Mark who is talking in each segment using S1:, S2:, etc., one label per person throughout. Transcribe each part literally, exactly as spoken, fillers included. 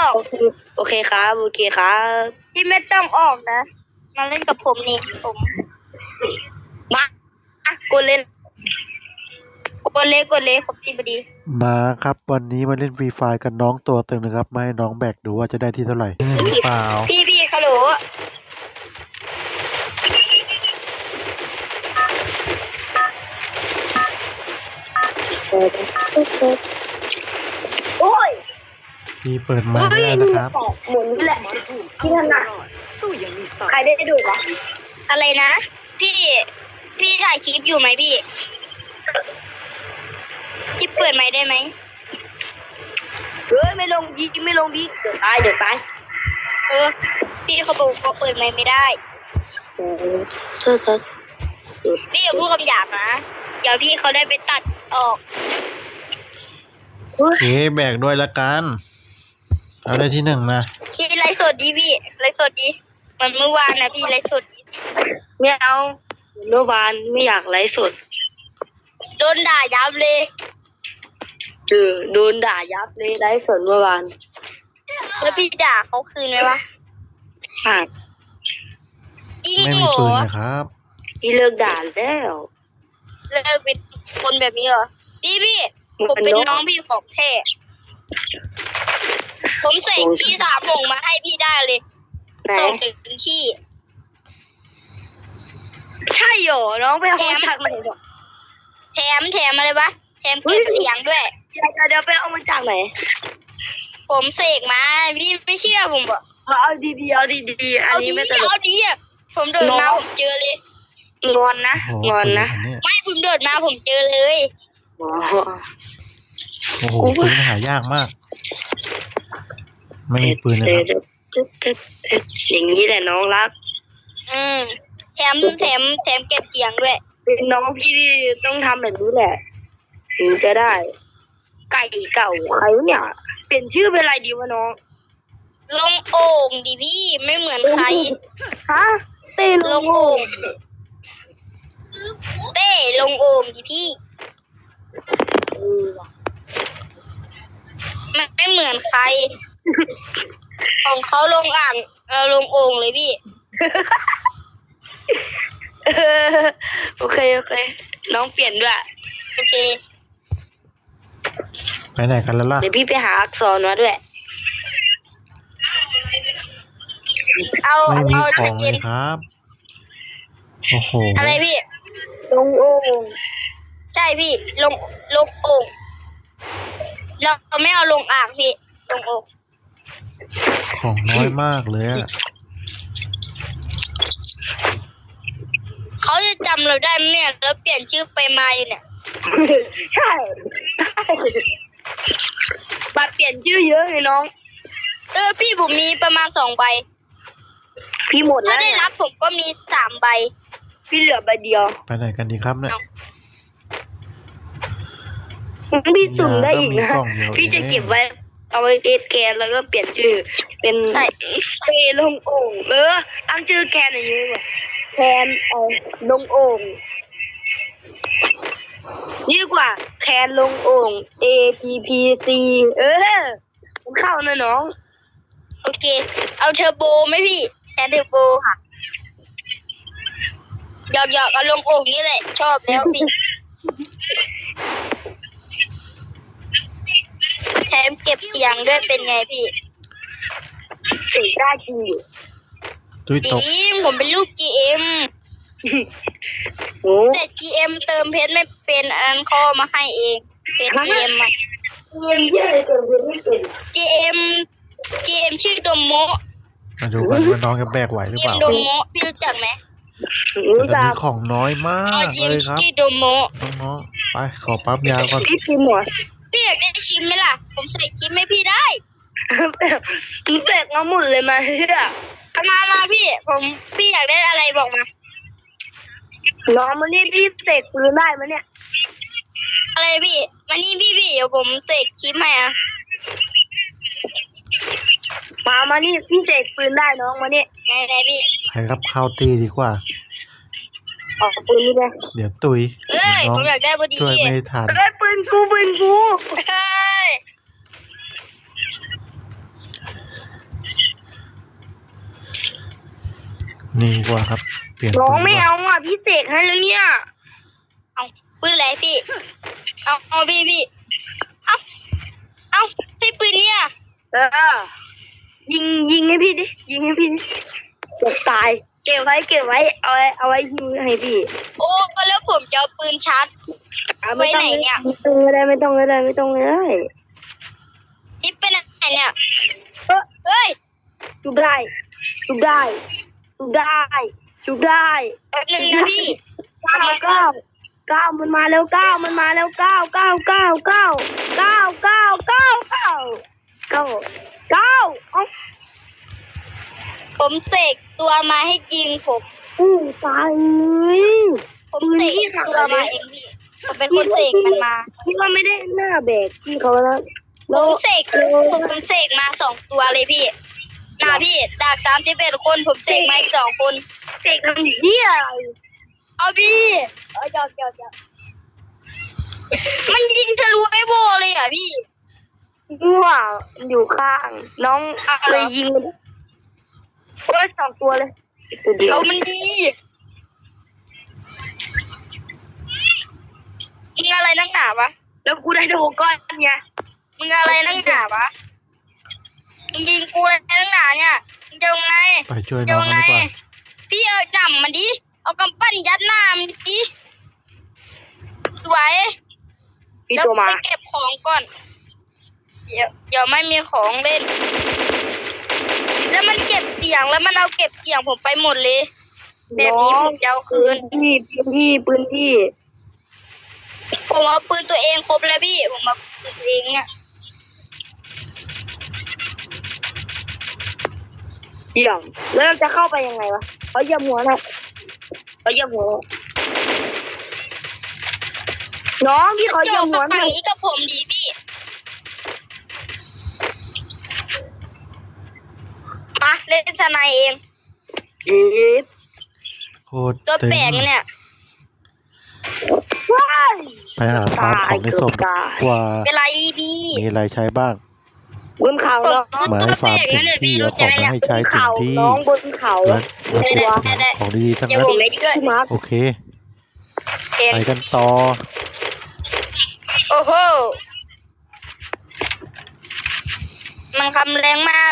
S1: อก
S2: โอเคครับโอเคครับ
S1: พี่ไม่ต้องออกนะมาเล่นกับผมนี่ผม
S2: มาอ่ะกูเล่น
S1: กดเลยกดเลยขอบคุณพอดี
S3: มาครับวันนี้มาเล่นฟรีไฟร์กันน้องตัวตึงนะครับมาให้น้องแบกดูว่าจะได้ที่เท่าไหร่หรือเปล่า
S1: พี่พี่ฮัลโหลโอ้ย
S3: พี่เปิดไมค์ไม่ได้นะครับ
S1: หมุนแหละพี่ถนัดใครได้ดูวะอะไรนะพี่พี่ถ่ายคลิปอยู่ไหมพี่พี่เปิดไมค์ได้ไหม
S2: เฮ้ยไม่ลงยิงไม่ลงดิเดี๋ยวตายเดี๋ยวตาย
S1: เออพี่เขาบอกว่าเปิดไมค์ไม่ได้
S2: โอ้เธอเธอ
S1: พี่อย่าพูดคำหยาบนะเดี๋ยวพี่เขาได้ไปตัดออก
S3: โอเคแบกด้วยละกันเอาได้ที่หนึ่งนะ
S1: พี่ไลฟ์สดดีพี่ไลฟ์สดดีมันเมื่อวานนะพี่ไลฟ์สด
S2: ไม่เอาเมื่อวานไม่อยากไลฟ์สด
S1: โดนด่ายับเลย
S2: เออโดนด่ายับเลยไลฟ์สดเมื่อวาน
S1: แล้วพี่ด่าเขาคืนไหมวะ
S2: อ่า
S1: จริง
S3: ไม่
S1: เหรอ
S3: มีปืนนะครับ
S2: พี่เลิกด่าแล้ว
S1: เลิกเป็นคนแบบนี้เหรอพี่พี่ผมเป็นน้องพี่ของแท้ผมใส่ขี้สามหงมาให้พี่ได้เลยส่งถึงขี้
S2: ใช่เหรอน้องไปเอามาจากไหน
S1: แถมแถมอะไรวะแถมเก็บเสียงด้วย
S2: เดี๋ยวเดี๋ยวไปเอามาจากไหน
S1: ผมเสกมาพี่ไม่เชื่อผมบอก
S2: เอาดีๆเอาดีๆอันนี้ไม่ตลก
S1: เอาดีอ่ะผมเดินมาผมเจอเลย
S2: งอนนะงอนนะ
S1: ไม่ผมเดินมาผมเจอเลย
S3: โอ้โหปืนหายากมากไม่มีปืนเลยครับ
S2: อย่างนี้แหละน้องรัก
S1: อืมแถมแถมแถมเก็บเสียงด้วย
S2: เป็นน้องพี่ต้องทำแบบนี้แหละถึงจะได้ไก่เก่าใครเนี่ยเปลี่ยนชื่อเป็นอะไรดีวะน้อง
S1: ลงโอ่งดิพี่ไม่เหมือนใคร
S2: ฮะเต้
S1: ลงโอ่งเต้ลงโอ่งดิพี่มันไม่เหมือนใครของเขาลงอ่างเราลงโอ่งเลยพี่
S2: โอเคโอเคน้องเปลี่ยนด้วย
S1: โอเค
S3: ไปไหนกันแล้วล่ะ
S2: เดี๋ยวพี่ไปหาอักษรมาด้วย
S1: เอา
S3: ไม่มี
S1: เอา
S3: ของเลยครับโอ้โห
S1: อะไรพี่
S2: ลงโอ่ง
S1: ใช่พี่ลงลงโอ่งเราไม่เอาลงอ่างพี่ลงโอ่ง
S3: ของน้อยมากเลยอะ
S1: เขาจะจำเราได้ไหมเนี่ยแล้วเปลี่ยนชื่อไปมาอยู่เนี่ย
S2: ใช่บัตรเปลี่ยนชื่อเยอะเลยน้อง
S1: เออพี่ผมมีประมาณสองใบ
S2: พี่หมดแล้ว
S1: ถ้าได้รับผมก็มีสามใบ
S2: พี่เหลือใบเดียว
S3: ไปไหนกันดีครับเนี่ย
S2: พี่สุ่มได้อีกนะพี่จะเก็บไว้เอาไว้เอสแกนแล้วก็เปลี่ยนชื่อเป็นเปลงโอ่งเออตั้งชื่อแคนอย่างนี้ว่ะแคนเออลงโอ่งยิ่งกว่าแคนลงโอ่ง A T P C เออมันเข้านะน้อง
S1: โอเคเอาเทอร์โบไหมพี่แคนเทอร์โบค่ะหยอกหยอกเอาลงโอ่งนี่แหละชอบแล้วพี่แถมเก็บเสียงด้วยเป็นไงพี่
S2: เสียงได้จริงอยู่
S1: จริงผมเป็นลูก จี เอ็ม แต่ จี เอ็ม เติมเพชรไม่เป็นอันข้อมาให้เองเพชร จี เอ็ม อ่ะ
S2: จี เอ็ม เยอะเลยเติมเพชรไม่เป็น
S1: จี เอ็ม จี เอ็ม ชื่อโดโมะ
S3: มาดูกันว่าน้องจะแบกไหวหรือเปล่า
S1: โดโมะพี่รู้จักไหม
S3: แต่มีของน้อยมากเลยครับ
S1: ชื่อโดโมะ
S3: น้องๆไปขอปั๊บยาก่อน
S2: พี่ชิมหมด
S1: พี่อยากได้ชิมไหมล่ะผมใส่ชิมให้พี่ได้
S2: พี่แบกมาหมดเลยมาเฮีย
S1: มามาพี่ผมพี่อยากได้อะไรบอกมา
S2: น้องมานี่พี่เสกปืนได้ไหมเนี่ย
S1: อะไรพี่มานี่พี่พี่เดี๋ยวผมเสกคลิปให้อ่ะ
S2: มามานี่พี่เสกปืนได้น้องมาเนี่ย
S1: ไงไงพี่
S3: ใครครับเข้าตีดีกว่า
S2: ออกปืนนี่เลย
S3: เดี๋ยวตุย
S1: เอ้ยผมอยากได้พอดี
S3: ช่วยไม่ทัน
S2: เอ้ยปืนกูปืนกู
S1: เฮ้ย
S3: นี่ดีกว่าครับเปลี่ยน
S2: น้อง
S3: ปืน
S2: ไม่
S3: ดีกว่า
S2: เอาอ่ะพี่เสกให้แล้วเนี่ย
S1: เอาปืนอะไรพี่ เอาเอาพี่พี่ เอาเอาให้ปืนเนี่ย
S2: เออยิงยิงให้พี่ดิยิงให้พี่ดิตกตายเก็บไว้เก็บไว้เอาไว้เอาไว้ยิงให้พี่
S1: โอ้ก็แล้วผมจะเอาปืนชาร์จ
S2: เอา
S1: ไว้ไหนเนี่ย
S2: ไม่ต้องเลยไม่ต้องเลยไม่ต้องเลย
S1: นี่เป็นไหนเนี่ย
S2: เออ
S1: เฮ้ย
S2: จุบได้จุบได้จุบได้จุบได้
S1: แป๊บนึงนะพี่
S2: เก้าเก้าเก้ามันมาแล้วเก้ามันมาแล้วเก้าเก้าเก้าเก้าเก้าเก้าเก้าเก้าเก้าเก้าเอา
S1: ผมเสกตัวมาให้ยิงผม
S2: อู้ตายเลย
S1: ผมเสกตัวมาเองพี่ ผมเป็นคนเสกมันมา
S2: พี่ว่าไม่ได้หน้าแบกพี่เขาแล้ว
S1: ผมเสกผมเสกมาสองตัวเลยพี่น่าพี่จากสามสิบเอ็ดคนผมเสกมาอีกสองคน
S2: เสกทำเหี้ยอะไร
S1: เอาพี่เอาเจ้าเจ้าเจ้ามันยิงทะลุไอ้โบเลยอ่ะพี่
S2: มั่วอยู่ข้าง น้องเลยยิงมันโอ้ยสองตัวเลยตัวเดียว
S1: เอามันดีมึงอะไรนักหนาวะ
S2: แล้วกูได้โดนก้อนไง
S1: มึงอะไรนักหนาวะมึงยิงกูอะไรนักหนาเนี่ยมึงจะยังไง
S3: ไปช่วย
S1: จะ
S3: น้อง
S1: ยัง
S3: กัน
S1: ไง
S3: ดีกว่า
S1: พี่เอาจับมันดิเอากำปั้นยัดหน้ามันดิสวย
S2: พี่
S1: แล้ว
S2: ตัวมา
S1: ไปเก็บของก่อนเดี๋ยวเดี๋ยวไม่มีของเล่น แล้วมันเก็บเสียงแล้วมันเอาเก็บเสียงผมไปหมดเลย แบบนี้ผมจะเอาคืน
S2: พี่ปืนพี่ปืนพี่
S1: ผมเอาปืนตัวเองครบแล้วพี่ ผมเอาปืนตัวเองเนี่ย
S2: เยี่ยมแล้วเราจะเข้าไปยังไงวะเขาเหยียบหัวนะเขาเหยียบหัวน้องพี่เขาเหยี
S1: เกี่
S2: ย
S1: ยว
S2: บหัว
S1: กับ
S2: หน่
S1: ฝั่
S2: องย
S1: นี้กับผมดีพี่ มาเล่นสไนเอง
S2: เอ๊ะ
S3: โคตร
S1: ตัว
S3: เต็
S1: แปลก
S3: ง
S1: เนี่ย
S2: ว้าย
S3: ไปหาฟาร์มของในศพ
S2: ตาย
S3: กว่า
S1: เป็นไรพี่
S3: มีอะไรใช้บ้าง
S2: บนเขา
S1: ผม
S2: น้อง
S1: คือ
S3: มา
S1: ตัว
S3: ให้
S1: แปล
S3: ฟาร์ม
S1: ก
S3: ถึ
S1: นั่น
S3: ง
S1: เลย
S3: ที่
S1: พี่
S3: เอา
S1: รู้
S3: ข
S1: จั
S3: อก ง
S1: ไหม
S3: มา
S1: เนี่ย
S3: ให้ใช้ถึง
S2: เขา
S3: ที่
S2: น้องบนเขา
S3: และวัตถุดิบของดีๆทั้ง
S1: เดี๋ยว
S3: นั้น
S1: ผมเล่นด้วย
S2: พี่มาร์ค
S3: โอเค
S1: เห็น
S3: ไปกันต่อ
S1: โอ้โห มันคำแรงมาก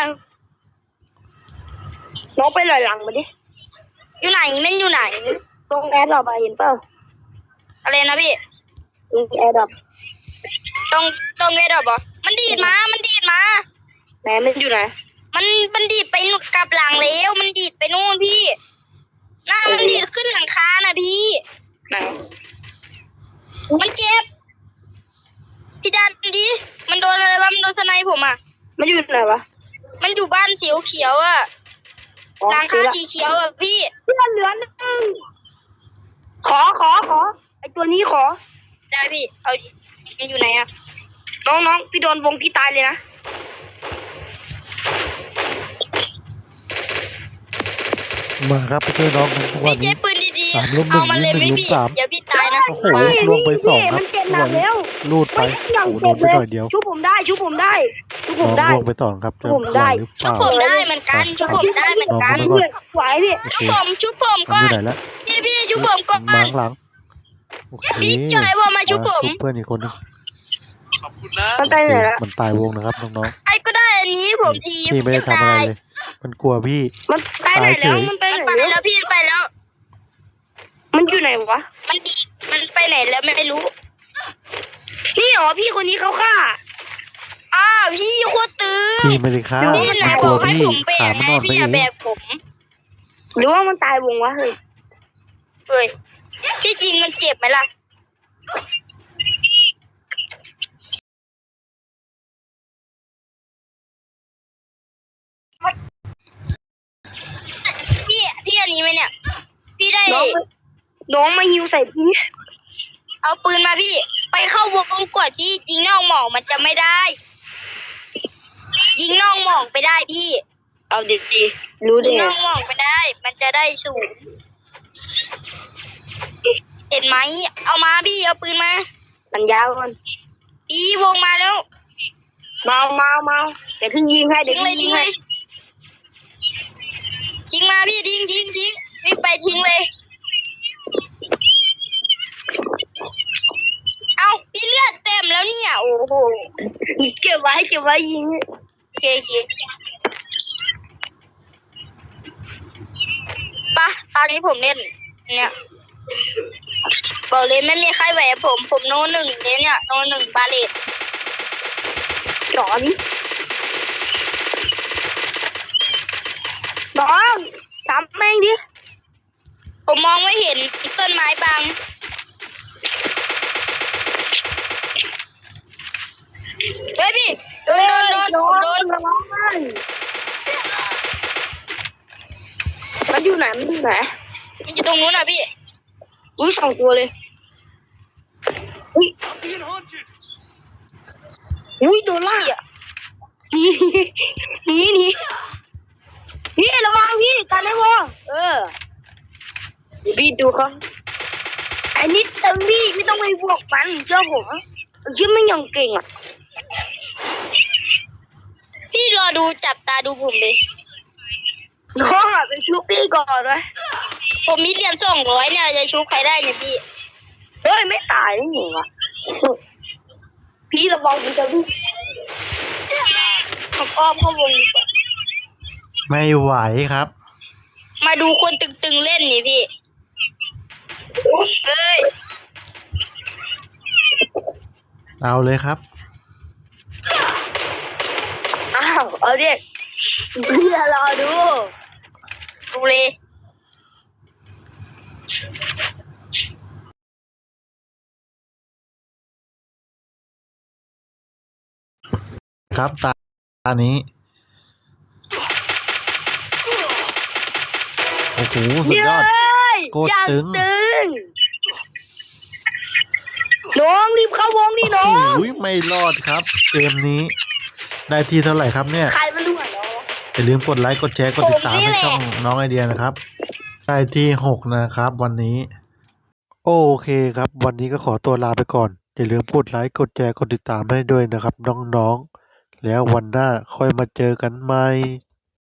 S2: น้องไปลอยหลังมาดิ
S1: อยู่ไหนมันอยู่ไหน
S2: ตรงแอร์ดรอปอะเห็นเปล่า
S1: อะไรนะพี่
S2: ตรงแอร์ดรอป
S1: ตรงตรงไงดอกบอมันดีดมา มันดีดมา
S2: แหมมันอยู่ไหน
S1: มันมันดีดไปนู่นกลับหลังแล้ว มันดีดไปนู่นพี่หน้ามันดีดขึ้นหลังคาน่ะพี่
S2: ไหน
S1: มันเจ็บ พี่ดันดิมันโดนอะไรวะมันโดนสไนผมอ่ะ
S2: มันอยู่ไหนวะ
S1: มันอยู่บ้านสีเขียวอ่ะ
S2: อ๋อ
S1: หลัง
S2: ซื้
S1: คา
S2: อละ
S1: สีเขียวอ่ะพี่
S2: เพื่อนเหลือหนึ่งขอขอขอไอตัวนี้ขอ
S1: ได้พี่ เอาดิมันอยู่ไหนอ่ะ
S2: น้องน้องพี่โดนวงพี่ตายเลยนะ
S3: มาครับไปช่วยน้องกันทุกวั
S1: พี่
S3: น
S1: เจ๊
S3: นี้
S1: ปืนดี
S3: สามลุม
S1: ๆ
S3: หนึ่
S1: เอา
S3: ง
S1: มาเลยไหม
S3: หนึ่งลุม
S1: พี่
S3: สาม
S1: เดี๋ยวพี่ตายนะ
S3: โอ้โหลงไปสองครับ
S2: มันเจ็บหนักแล้ว
S3: ลูดไป
S2: ไม่ยัง
S3: โอ้โหโด
S2: เจ็บ
S3: นไป
S2: เลย
S3: หน่อยเดียว
S2: ชุบผมได้ชุบผมได้ชุบผ
S3: น้อ
S2: ม
S3: ง
S2: ได้
S3: ลงไปต่อครับจะ
S2: ผมได้
S3: ไหวหรือเป
S1: ชุบ
S3: ล่า
S1: ผมได้เหมือนกันชุบผมได้เหมือนกัน
S3: น้อง
S2: ไหวพี่
S3: โอ
S1: ชุ
S3: เค
S1: บผมชุบผม
S3: มัน
S1: ก่อ
S3: อยู่
S1: น
S3: ไหนแล้ว
S1: พี่พี่ชุบผมก่อน
S3: มาข้างหลังโอเค
S1: พี่จอยว่ามาชุบผม
S3: ชุบเพื่อนอีกคนนึง
S4: ขอบคุณนะ
S2: มันไปไหนละ
S3: มันตายวงนะครับน้อง
S1: ไอ้ก็ได้อันนี้ผมที
S3: ๆพี่ไม่ได้ทำอะไรเลย มันกลัวพี่
S2: มันไปไหนแล้วมันไป
S1: มัน
S2: ไหน
S1: ไป
S2: แล้ว
S1: แล้วพี่ไปแล้ว
S2: มันอยู่ไหนวะ
S1: มันดีมันไปไหนแล้วไม่รู้
S2: นี่เหรอพี่คนนี้เขาฆ่า
S1: อ้าวพี่โคตรตึง
S3: พี่ไม่ได้ฆ่า
S1: พี่ไหน
S3: มัน
S1: บ
S3: กลั
S1: อ
S3: ว
S1: กให้
S3: พี่
S1: ผมแบ
S3: ขาก มัน
S1: ให้
S3: นอนไป
S1: พี่
S3: เอ
S1: อะ
S3: ง
S1: แบกผม
S2: หรือว่ามันตายวงวะเฮ้ย
S1: เฮ้ยที่จริงมันเจ็บไหมล่ะพี่พี่อันนี้ไหมเนี่ย พี่ได้
S2: น้องน้องมาฮิวใส่พี่
S1: เอาปืนมาพี่ ไปเข้าวงกดพี่ยิงนอกหมอกมันจะไม่ได้ ยิงนอกหมอกไปได้พี่
S2: เอาดีๆรู้
S1: ยิ
S2: ได้
S1: ง
S2: ไง
S1: นอกหมอกไปได้ มันจะได้สูงเห็นไหมเอามาพี่เอาปืนมา
S2: มันยาวก่อน
S1: พี่วงมาแล้ว
S2: เมาเมาเมาเดี๋ยวพี่ยิงให้เดี๋
S1: ยิ
S2: ยว
S1: งเล
S2: พี่
S1: ย
S2: ยิ
S1: ยิ
S2: ง
S1: งเล
S2: ให้
S1: ยยิงมาพี่ทิ้งทิ้งทิ้งวิ่งไปทิ้งเลยเอาพี่เลือดเต็มแล้วเนี่ยโอ้โห
S2: เก็บไว้เก็บไว้ยิง
S1: โอเคโอเคปะตอนนี้ผมเล่นเนี่ยบอกเลยไม่มีใครแหวะผมผมโนหนึ่งเลยเนี่ยโนหนึ่งบาเลต
S2: สอนน้องทำแม่งดิ
S1: ผมมองไม่เห็นต้นไม้บังเฮ้ยพี่โดนโดนโดนผมโดน
S2: น้องมันอยู่ไหนมันอยู่ไหน
S1: มันอยู่ตรงนู้นอ่ะพี่
S2: อุ้ยสองตัวเลยอุ้ย
S4: Being hunted.
S2: อุ้ยโดนล่าหนีหนีหนีพี่ระวังพี่กันได้วะเออเดี๋ยวพี่ดูเขาไอ้นิดตึงพี่ไม่ต้องไปบวกมันเจ้าผมชื่อไม่ยังเก่งอ่ะ
S1: พี่รอดูจับตาดูผมเลย
S2: น้องอ่ะเป็นชุบพี่ก่อนเลย
S1: ผมมีเหรียญสองร้อยเนี่ยจะชุบใครได้เนี่ยพี่
S2: เฮ้ยไม่ตายนี่หนูวะพี่ระวังมันจะวิ่ง
S1: ผมอ้อมเข้าวงดีกว่า
S3: ไม่ไหวครับ
S1: มาดูคนตึงๆเล่นนี่พี่เฮ้ย
S3: เอาเลยครับ
S2: อ้าวเอาดิพี่จะรอดู
S1: ดูเลย
S3: ครับตาตานี้ โอ้โหสุดยอด โคตร
S2: อย่าง
S3: ตึง
S2: ตึงน้องรีบเข้าวงนี่น้อง
S3: โอ้ยไม่รอดครับ เกมนี้ ได้ที่เท่าไหร่ครับเนี่ย
S2: ใครมันดูอ่ะน้อง
S3: อย่าลืมกดไลค์กดแชร์กดติดตามให้ช่องน้องไอเดียนะครับ ได้ที่หกนะครับ วันนี้ โอเคครับ วันนี้ก็ขอตัวลาไปก่อน อย่าลืมกดไลค์กดแชร์กดติดตามให้ด้วยนะครับ น้องๆ แล้ววันหน้าค่อยมาเจอกันใหม่